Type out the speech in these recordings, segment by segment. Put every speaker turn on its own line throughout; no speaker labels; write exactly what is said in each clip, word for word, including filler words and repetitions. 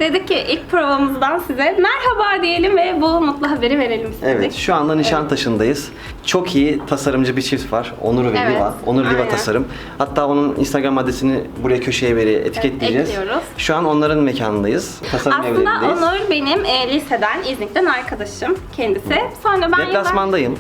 dedik ki ilk provamızdan size merhaba diyelim ve bu mutlu haberi verelim istedik.
Evet, şu anda Nişantaşı'ndayız. Çok iyi tasarımcı bir çift var. Onur ve
Evet,
Liva. Onur Liva
aynen.
Tasarım. Hatta onun Instagram adresini buraya köşeye bir etiketleyeceğiz.
Evet, ekliyoruz.
Şu an onların mekanındayız. Tasarım
Aslında
evlerindeyiz.
Onur benim e, liseden, İznik'ten arkadaşım kendisi. Sonra ben yıllar,
Deplasmandayım.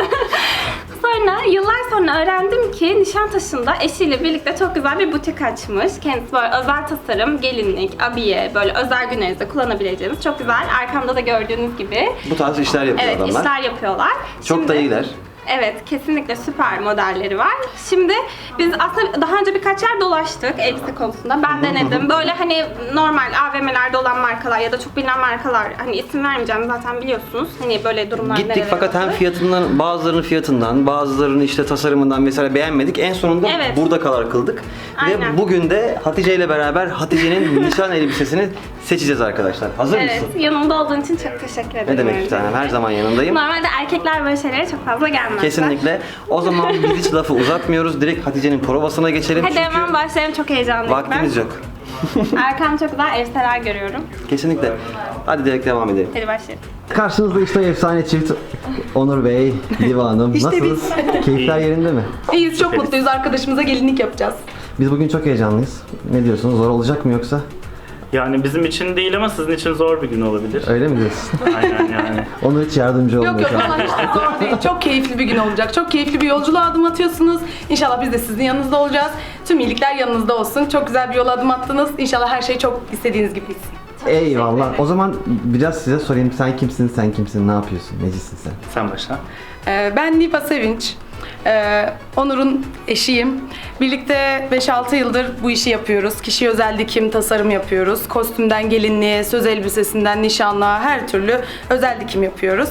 sonra yıllar sonra öğrendim ki Nişantaşı'nda eşiyle birlikte çok güzel bir butik açmış. Kendisi böyle özel tasarım, gelinlik, abiye, böyle özel günlerinizde kullanabileceğiniz çok güzel. Arkamda da gördüğünüz gibi.
Bu tarz işler yapıyor
Evet,
adamlar.
işler yapıyorlar.
Çok
Şimdi-
da iyiler.
Evet, kesinlikle süper modelleri var. Şimdi biz aslında daha önce birkaç yer dolaştık elbise konusunda. Ben denedim. Böyle hani normal A V M'lerde olan markalar ya da çok bilinen markalar, hani isim vermeyeceğim zaten biliyorsunuz. Hani böyle durumlar
Gittik
nerelere
fakat hem
oldu.
fiyatından, bazılarının fiyatından, bazılarının işte tasarımından mesela beğenmedik. En sonunda
Evet.
burada karar kıldık.
Aynen.
Ve bugün de Hatice ile beraber Hatice'nin nişan elbisesini seçeceğiz arkadaşlar. Hazır
Evet,
mısın?
yanımda olduğun için çok teşekkür ederim.
Ne demek bir tanem? Her zaman yanındayım.
Normalde erkekler böyle şeylere çok fazla gelmezler.
Kesinlikle. O zaman biz hiç lafı uzatmıyoruz. Direkt Hatice'nin provasına geçelim.
Hadi
Çünkü
hemen başlayalım, çok heyecanlıyım
vaktimiz
ben.
yok.
Arkam çok güzel elbiseler görüyorum.
Kesinlikle. Hadi direkt devam edelim.
Hadi başlayalım.
Karşınızda işte efsane çift Onur Bey, Liva Hanım.
İşte
Nasılsınız? Keyifler yerinde mi?
İyiyiz, çok mutluyuz. Arkadaşımıza gelinlik yapacağız.
Biz bugün çok heyecanlıyız. Ne diyorsunuz? Zor olacak mı yoksa?
Yani bizim için değil ama sizin için zor bir gün olabilir.
Öyle mi diyorsun?
Aynen yani.
Onur hiç yardımcı olmuyor.
Yok yok
şu an.
falan hiç de zor değil. Çok keyifli bir gün olacak. Çok keyifli bir yolculuğa adım atıyorsunuz. İnşallah biz de sizin yanınızda olacağız. Tüm iyilikler yanınızda olsun. Çok güzel bir yola adım attınız. İnşallah her şey çok istediğiniz gibi gitsin.
Eyvallah. O zaman biraz size sorayım. Sen kimsin? Sen kimsin? Ne yapıyorsun? Necisin sen?
Sen başla.
Ee, ben Liva Sevinç. Ee, Onur'un eşiyim. Birlikte beş altı yıldır bu işi yapıyoruz. Kişi özel dikim, tasarım yapıyoruz. Kostümden gelinliğe, söz elbisesinden nişanlığa her türlü özel dikim yapıyoruz.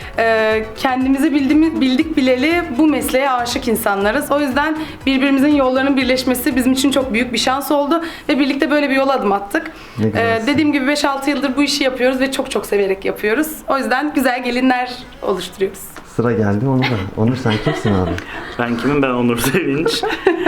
Ee, kendimizi bildiğimiz, bildik bileli bu mesleğe aşık insanlarız. O yüzden birbirimizin yollarının birleşmesi bizim için çok büyük bir şans oldu. Ve birlikte böyle bir yola adım attık.
Ne güzel.
Ee, dediğim gibi beş altı yıldır bu işi yapıyoruz ve çok çok severek yapıyoruz. O yüzden güzel gelinler oluşturuyoruz.
Sıra geldi Onur'a. Onur sen kimsin abi?
Ben kimim? Ben Onur Sevinç.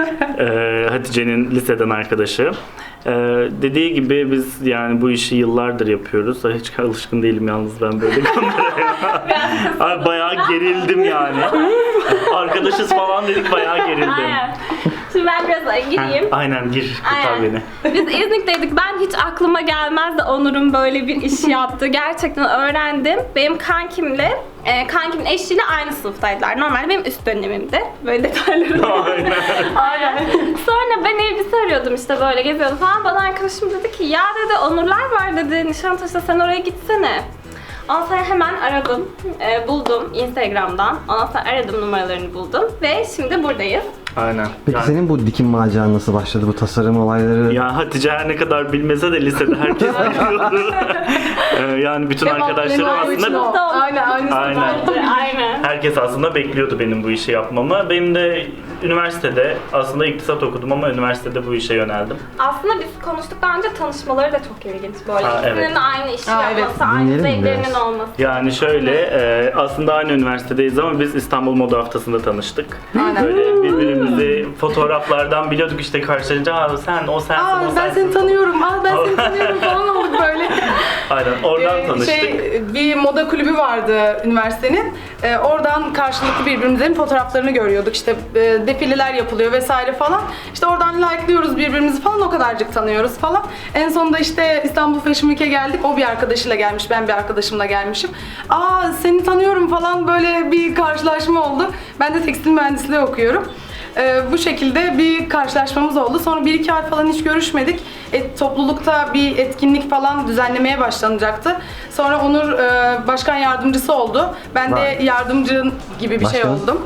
ee, Hatice'nin liseden arkadaşı. Ee, dediği gibi biz yani bu işi yıllardır yapıyoruz. Ay, hiç alışkın değilim yalnız ben böyle kameraya. Ay, bayağı gerildim yani. Arkadaşız falan dedik, bayağı gerildim.
Aynen. Şimdi ben biraz gireyim.
Ha, aynen gir, kurtar
Aynen.
beni.
Biz İznik'teydik. Ben hiç aklıma gelmezdi Onur'un böyle bir işi yaptığı. Gerçekten öğrendim. Benim kankimle, e, kankimin eşiyle aynı sınıftaydılar. Normalde benim üst dönemimdi. Böyle detayları var.
Aynen.
Aynen. Sonra ben elbise arıyordum işte böyle geziyordum falan. Bana arkadaşım dedi ki ya dedi Onurlar var dedi. Nişantaşı'da sen oraya gitsene. Ondan sonra hemen aradım, e, buldum Instagram'dan. Ondan sonra aradım, numaralarını buldum ve şimdi buradayız.
Aynen.
Peki
Yani-
senin bu dikim maceran nasıl başladı? Bu tasarım olayları?
Ya Hatice her ne kadar bilmese de lisede herkes biliyordu. Ee, yani bütün arkadaşlarım aslında
Aynen, aynı
Aynen.
Aynen.
herkes aslında bekliyordu benim bu işi yapmamı. Benim de üniversitede aslında iktisat okudum ama üniversitede bu işe yöneldim.
Aslında biz konuştuk daha önce, tanışmaları da çok ilginç böyle.
Ha,
İkisinin
evet.
aynı işi
Aa, evet.
yapması, aynı
Dinleyelim mi
zevklerinin
biraz?
olması.
Yani şöyle e, aslında aynı üniversitedeyiz ama biz İstanbul Moda Haftası'nda tanıştık.
Aynen.
Böyle birbirimizi fotoğraflardan biliyorduk işte karşılaşınca "Aa, sen o sensin
Aa,
o
ben
sensin."
seni tanıyorum, aa ben seni tanıyorum falan olduk böyle.
Aynen oradan
Ee,
tanıştık.
Şey, bir moda kulübü vardı üniversitenin. Ee, oradan karşılıklı birbirimizin fotoğraflarını görüyorduk. İşte e, defileler yapılıyor vesaire falan. İşte oradan like'lıyoruz birbirimizi falan, o kadarcık tanıyoruz falan. En sonunda işte İstanbul Fashion Week'e geldik. O bir arkadaşıyla gelmiş, ben bir arkadaşımla gelmişim. Aa seni tanıyorum falan, böyle bir karşılaşma oldu. Ben de tekstil mühendisliği okuyorum. Ee, bu şekilde bir karşılaşmamız oldu. Sonra bir iki ay falan hiç görüşmedik. Et, toplulukta bir etkinlik falan düzenlemeye başlanacaktı. Sonra Onur e, başkan yardımcısı oldu. Ben
Vay.
de yardımcı gibi bir şey
Başkan?
oldum.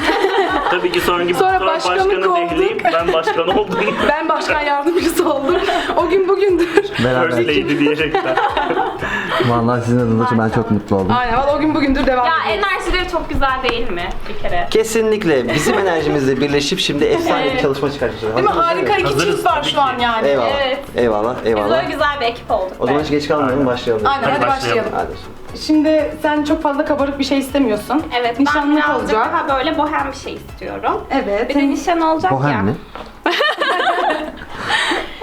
Tabii ki sonra,
Sonra
sonra
başkanlık
başkanı
olduk.
dehleyip ben başkan oldum.
Ben başkan yardımcısı oldum. O gün bugündür.
First
Beraber.
Lady diyerekten.
Vallahi sizin adınıza ben çok mutlu oldum.
Aynen, o gün bugündür devam
Ya
ediyoruz.
enerjileri çok güzel değil mi bir kere?
Kesinlikle bizim enerjimizle birleşip şimdi efsane bir
Evet.
çalışma çıkartacağız.
Değil mi?
Hazırız,
Harika iki
Hazırız
çift var
tabii
şu an
ki.
yani.
Eyvallah.
Evet.
Eyvallah.
Biz
Eyvallah.
böyle güzel bir ekip olduk.
O zaman
be.
hiç geç kalmayalım,
Aynen.
başlayalım.
Aynen, hadi,
Hadi
başlayalım.
başlayalım.
Hadi.
Şimdi sen çok fazla kabarık bir şey istemiyorsun.
Evet, ben
Nişanlık
birazcık
olacak.
daha böyle bohem bir şey istiyorum.
Evet.
Bir de nişan olacak
Bohem
ya.
mi?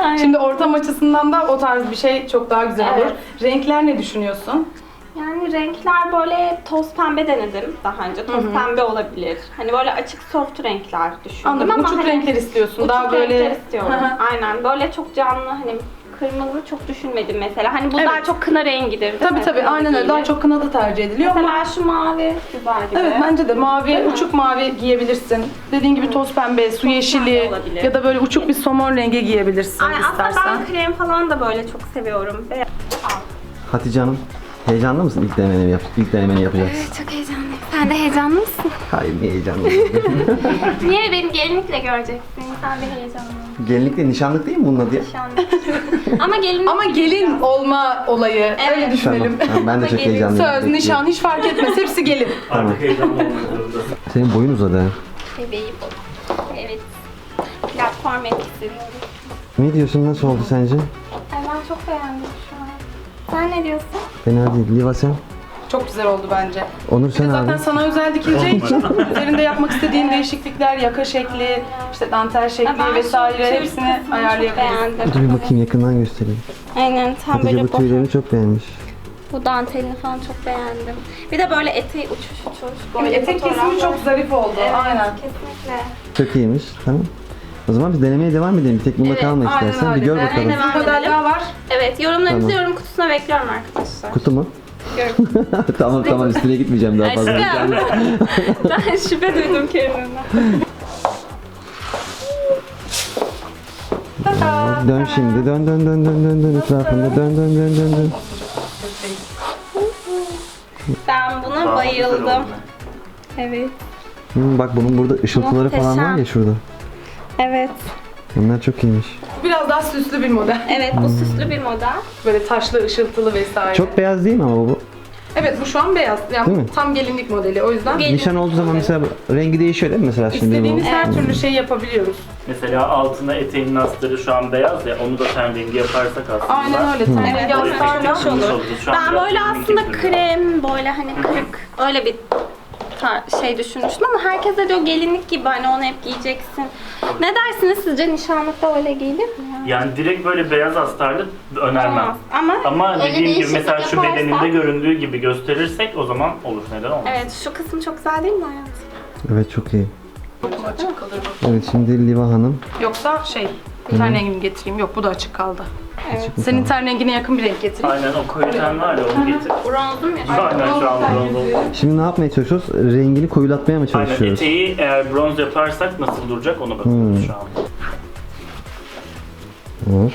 Aynen.
Şimdi ortam açısından da o tarz bir şey çok daha güzel olur.
Evet.
Renkler ne düşünüyorsun?
Yani renkler böyle toz pembe denedim daha önce. Toz pembe olabilir. Hani böyle açık soft renkler düşündüm
Anladım.
ama
Uçuk
hani
renkler istiyorsun.
uçuk
Daha böyle
renkler istiyorum. Aynen. Böyle çok canlı hani kırmızı çok düşünmedim mesela. Hani bu
Evet.
daha çok kına rengidir değil
Tabii
mi?
tabii
Kına
aynen öyle.
giyilir.
Daha çok kınada tercih ediliyor ama
Mesela şu mavi güzel gibi.
evet bence de mavi,
Değil mi?
uçuk mavi giyebilirsin. Dediğin gibi toz pembe, su yeşili
olabilir.
ya da böyle uçuk bir somon rengi giyebilirsin
Ay, aslında
istersen.
ben krem falan da böyle çok seviyorum. Ve...
Hatice Hanım, heyecanlı mısın ilk denemeni, yap ilk denemeni yapacaksın?
Evet, çok heyecanlıyım. Sen de heyecanlı mısın?
Hayır, niye heyecanlı?
Niye beni gelinlikle göreceksin? Sen de heyecanlı.
Gelinlikle nişanlık değil mi bunun adı ya?
Ama gelin
Ama gelin olma olayı öyle
Evet.
Tamam,
düşünelim.
tamam, ben de çok
Gelin,
heyecanlıyım.
Söz,
Bekliyorum.
nişan hiç fark etmez. Hepsi gelin.
Artık heyecanlı olmak zorundasın.
Senin boyun uzadı ha.
bebeği bu. Evet. Platform etkisi.
Ne diyorsun, nasıl oldu sence?
Ay ben çok beğendim şu an. Sen ne diyorsun?
Fena değil. Liva sen?
Çok güzel oldu bence.
Onur
Bir de
sen
zaten
abi.
sana özel dikileceği için üzerinde yapmak istediğin değişiklikler, yaka şekli, işte dantel şekli
Ben şu
vesaire
tül
hepsini
kısmını çok
ayarlayabiliriz.
beğendim.
Dur bir bakayım, yakından göstereyim.
Aynen tam
Hatice
böyle
bu
bu,
tüylerini çok beğenmiş.
bu dantelini falan çok beğendim. Bir de böyle eteği uçuş uçuş.
Yani
Böyle
etek kesimi çok zarif oldu.
Evet,
Aynen.
kesinlikle.
Çok iyiymiş. Tamam. O zaman biz denemeye devam edelim. Bir tek bunda
Evet,
kalma
aynen
istersen. Bir
öyle.
gör
Ben
bakalım.
de-
Bir model daha var.
Evet yorumlarınızı
Tamam.
yorum kutusuna bekliyorum arkadaşlar.
Kutu mu?
Görün.
tamam tamam, üstüne gitmeyeceğim daha fazla.
Aşkım. Ben şüphe duydum kendimden.
Dön şimdi. Dön dön dön dön dön dön etrafında. Dön dön dön dön dön.
Ben buna
Daha güzel
bayıldım.
oldu.
Evet.
Hmm, bak bunun burada ışıltıları falan var ya
Muhteşem.
şurada.
Evet.
Bunlar çok iyiymiş.
Biraz daha süslü bir model.
Evet bu süslü bir model.
Böyle taşlı, ışıltılı vesaire.
Çok beyaz değil mi ama bu?
Evet bu şu an beyaz. Yani
Değil mi?
tam gelinlik modeli. O yüzden
Gelin-
Nişan olduğu zaman mesela rengi değişiyor değil mi mesela şimdi
istediğimiz
bu?
her türlü şey yapabiliyoruz.
Mesela altına eteğinin astarı şu an beyaz ya, onu da ten rengi yaparsak aslında.
Aynen öyle. Ten
Evet,
rengi
o
astarla.
hoş olur.
Şu an
Ben
biraz
böyle
rengi
aslında
duruyor.
krem, böyle hani kırık öyle bir tar- şey düşünmüştüm ama herkes de diyor gelinlik gibi hani onu hep giyeceksin. Ne dersiniz sizce nişanlıkta öyle giyilir mi ya?
Yani direkt böyle beyaz astarlı önermem.
Olmaz. Ama,
Ama
öyle
dediğim gibi
değişiklik
mesela şu
yaparsak-
bedeninde göründüğü gibi gösterirsek o zaman olur. Neden olmaz?
Evet şu kısım çok güzel değil mi hayatım?
Evet çok iyi.
Açık kalır bu.
Evet şimdi Liva Hanım.
Yoksa şey, ten rengini getireyim. Yok bu da açık kaldı.
Evet.
Senin ten rengine yakın bir renk getireyim.
Aynen, o koyu ten var ya, onu getir.
Bronzum ya.
Aynen, şu an bronz oldu.
Şimdi ne yapmaya çalışıyoruz? Rengini koyulatmaya mı
Aynen,
çalışıyoruz?
eteği eğer bronz yaparsak nasıl duracak ona bakıyoruz
Hmm.
şu an.
Evet.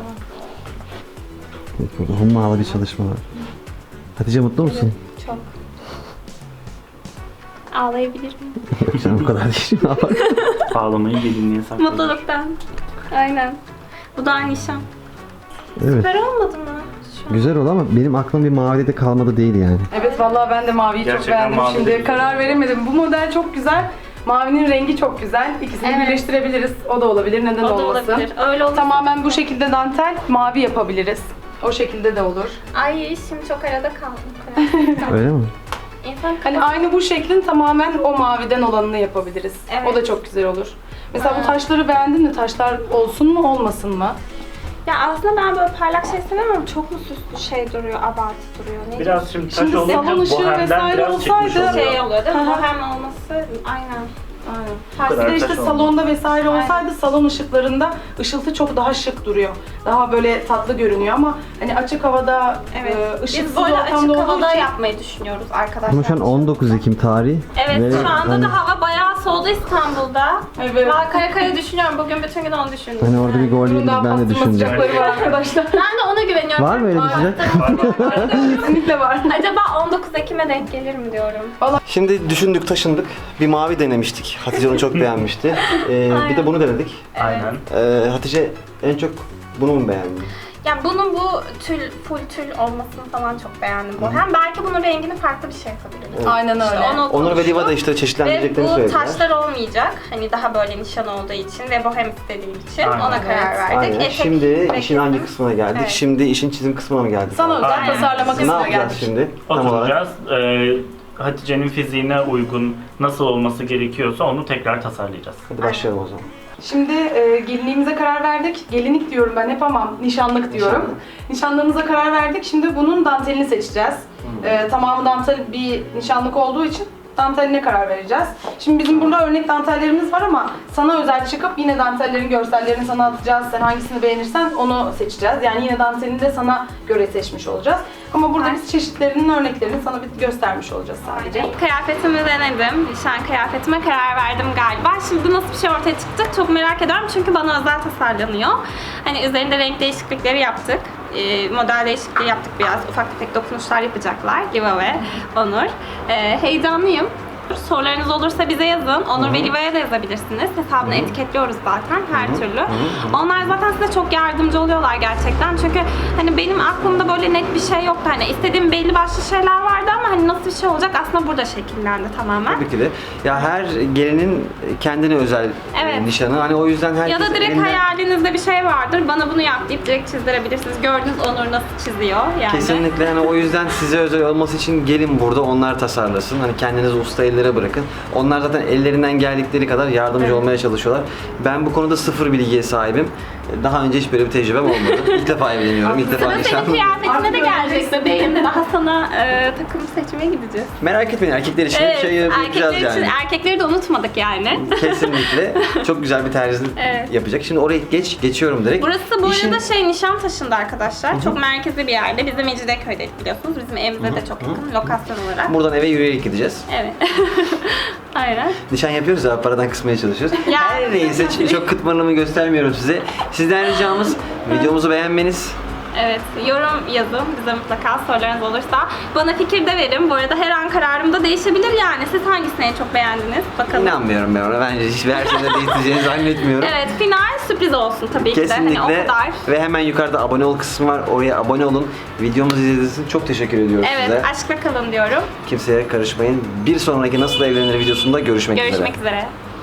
Evet, burada hummalı bir çalışma var. Hatice mutlu musun?
Çok. Ağlayabilir miyim?
Yok canım, bu kadar değil. Ne yapalım?
Ağlamayı gelinliğe saklıyoruz.
Mutluluktan. Aynen. Bu da nişan.
Evet.
Süper olmadı mı? Şu an.
Güzel oldu ama benim aklım bir mavide de kalmadı değil yani.
Evet vallahi ben de maviyi çok
Gerçekten
beğendim
mavi de
şimdi.
güzel.
Karar veremedim. Bu model çok güzel. Mavinin rengi çok güzel. İkisini
Evet.
birleştirebiliriz. O da olabilir. Neden
O da
olmasın?
olabilir. Öyle olur.
Tamamen bu şekilde dantel mavi yapabiliriz. O şekilde de olur.
Ay şimdi çok arada kaldım.
Öyle mi?
İnsan
Hani aynı bu şeklin tamamen o maviden olanını yapabiliriz.
Evet.
O da çok güzel olur. Mesela
Ha.
bu taşları beğendin mi? Taşlar olsun mu olmasın mı?
Ya aslında ben böyle parlak şey sevmem ama çok mu süslü şey duruyor, abartı duruyor. Ne
Biraz şimdi taş
Şimdi
olunca
salon ışığı
bohemden
vesaire
biraz çıkmış
olsaydı-
diyorsun?
oluyor.
Şey oluyor değil mi?
Hı hı.
Bohem olması aynen.
Aynen.
kadar
Bir de işte
taş olmaz.
salonda vesaire
Aynen.
olsaydı salon ışıklarında ışıltı çok daha şık duruyor. Daha böyle tatlı görünüyor ama hani açık havada
Evet.
e, ışıksız
Biz böyle açık
ortamda olduğu
havada
için
yapmayı düşünüyoruz arkadaşlar.
Ama şu an on dokuz Ekim tarihi.
Evet
ve
şu anda
hani,
da hava bayağı soğudu İstanbul'da.
Evet.
Ben kara kara düşünüyorum. Bugün bütün gün onu düşündüm.
hani orada bir gol
bunun
yediniz
daha
ben de
pastırma
düşündüm.
sıcakları var arkadaşlar.
Ben de ona güveniyorum.
Var mı öyle bir sıcak?
Kesinlikle var.
Acaba on dokuz Ekim'e denk gelir mi diyorum.
Şimdi düşündük taşındık. Bir mavi denemiştik. Hatice onu çok beğenmişti. Ee, bir de bunu denedik.
Aynen.
Ee, Hatice en çok bunu mu beğendi?
Yani bunun bu tül, full tül olmasını falan çok beğendim bu. Hem belki bunun rengini farklı bir şey yapabiliriz.
Aynen öyle.
İşte onu
Onur ve
konuştuk.
Liva da işte
Ve
çeşitlendireceklerini
bu
söylediler.
taşlar olmayacak. Hani daha böyle nişan olduğu için ve bohem istediğim için
Aynen.
ona karar
Evet.
verdik.
Aynen.
Etek
Şimdi
ve
işin hangi
kesim.
kısmına geldik?
Evet.
Şimdi işin çizim kısmına mı geldik?
Sana özel
Aynen.
tasarlama
Ne
kısmına
yapacağız
geldik.
şimdi? Tam olarak.
Oturacağız. Ee, Hatice'nin fiziğine uygun nasıl olması gerekiyorsa onu tekrar tasarlayacağız.
Hadi başlayalım o zaman.
Şimdi e, gelinliğimize karar verdik. Gelinlik diyorum ben hep ama nişanlık diyorum.
Nişanlık.
Nişanlığımıza karar verdik. Şimdi bunun dantelini seçeceğiz. E, tamamı dantel bir nişanlık olduğu için danteline karar vereceğiz. Şimdi bizim burada örnek dantellerimiz var ama sana özel çıkıp yine dantellerin görsellerini sana atacağız. Sen hangisini beğenirsen onu seçeceğiz. Yani yine dantelini de sana göre seçmiş olacağız. Ama burada biz çeşitlerinin örneklerini sana bir göstermiş olacağız sadece.
Kıyafetimi denedim. Nişan kıyafetime karar verdim galiba. Şimdi nasıl bir şey ortaya çıktı çok merak ediyorum çünkü bana özel tasarlanıyor. Hani üzerinde renk değişiklikleri yaptık. E, model değişikliği yaptık biraz. Ufak tefek dokunuşlar yapacaklar. Liva ve Onur. E, heyecanlıyım. Sorularınız olursa bize yazın. Onur ve Liva'ya da yazabilirsiniz. Hesabını etiketliyoruz zaten her türlü. Onlar zaten size çok yardımcı oluyorlar gerçekten. Çünkü hani benim aklımda böyle net bir şey yoktu. Hani istediğim belli başlı şeyler vardı ama hani nasıl bir şey olacak aslında burada şekillendi tamamen.
Tabii ki de. Ya her gelinin kendine özel
Evet.
nişanı. Hani o yüzden herkes
Ya da direkt
elinden-
hayalinizde bir şey vardır. Bana bunu yap deyip direkt çizdirebilirsiniz. Gördünüz Onur nasıl çiziyor yani.
Kesinlikle, yani o yüzden size özel olması için gelin burada onlar tasarlasın. Hani kendinizi usta ellere bırakın. Onlar zaten ellerinden geldikleri kadar yardımcı
Evet.
olmaya çalışıyorlar. Ben bu konuda sıfır bilgiye sahibim. Daha önce hiç böyle bir tecrübem olmadı. İlk defa evleniyorum. İlk defa
Sıra senin
nişanlıyım.
kıyafetine de
Artık
gelecek bebeğim. Daha sana e, takım seçmeye gideceğiz.
Merak etmeyin, erkekler için
Evet,
şey yapacağız
erkekler için,
yani.
erkekleri de unutmadık yani.
Kesinlikle. Çok güzel bir terzi
Evet.
yapacak. Şimdi oraya geç geçiyorum direkt.
Burası bu
İşin-
arada şey Nişantaşı'nda arkadaşlar. Çok merkezi bir yerde. Biz de Mecidiyeköy'deyiz biliyorsunuz. Bizim evimize de çok yakın lokasyon olarak.
Buradan eve yürüyerek gideceğiz.
Evet. Aynen.
Nişan yapıyoruz ya, paradan kısmaya çalışıyoruz.
Ya.
Her neyse, ç- çok kıtmanımı göstermiyorum size. Sizden ricamız videomuzu beğenmeniz.
Evet, yorum yazın bize mutlaka sorularınız olursa. Bana fikir de verin. Bu arada her an kararım da değişebilir yani. Siz hangisini en çok beğendiniz? Bakalım.
İnanmıyorum ben ona. Bence hiçbir her şeyde değiştireceğini zannetmiyorum.
Evet, final sürpriz olsun tabii ki de.
Kesinlikle.
Hani o kadar.
Ve hemen yukarıda abone ol kısmı var. Oraya abone olun. Videomuzu izlediğiniz için çok teşekkür ediyoruz
Evet,
size.
aşkla kalın diyorum.
Kimseye karışmayın. Bir sonraki Nasıl Evlenir videosunda görüşmek, üzere.
Görüşmek üzere.